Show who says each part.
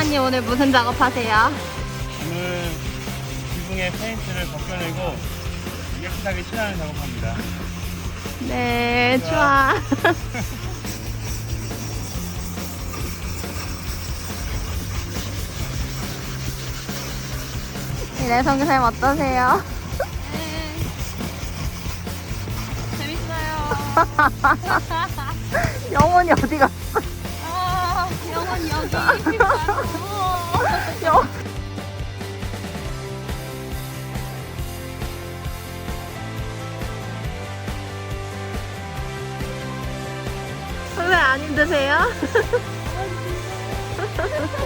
Speaker 1: 선생님 오늘 무슨 작업하세요?
Speaker 2: 오늘 지붕에 페인트를 벗겨내고 깨끗하게 칠하는 작업합니다.
Speaker 1: 네, 좋아. 네, 선생님 어떠세요?
Speaker 3: 재밌어요.
Speaker 1: 영혼이 어디 갔어?
Speaker 3: 영원 여기.
Speaker 1: 영... 선생님 안 힘드세요?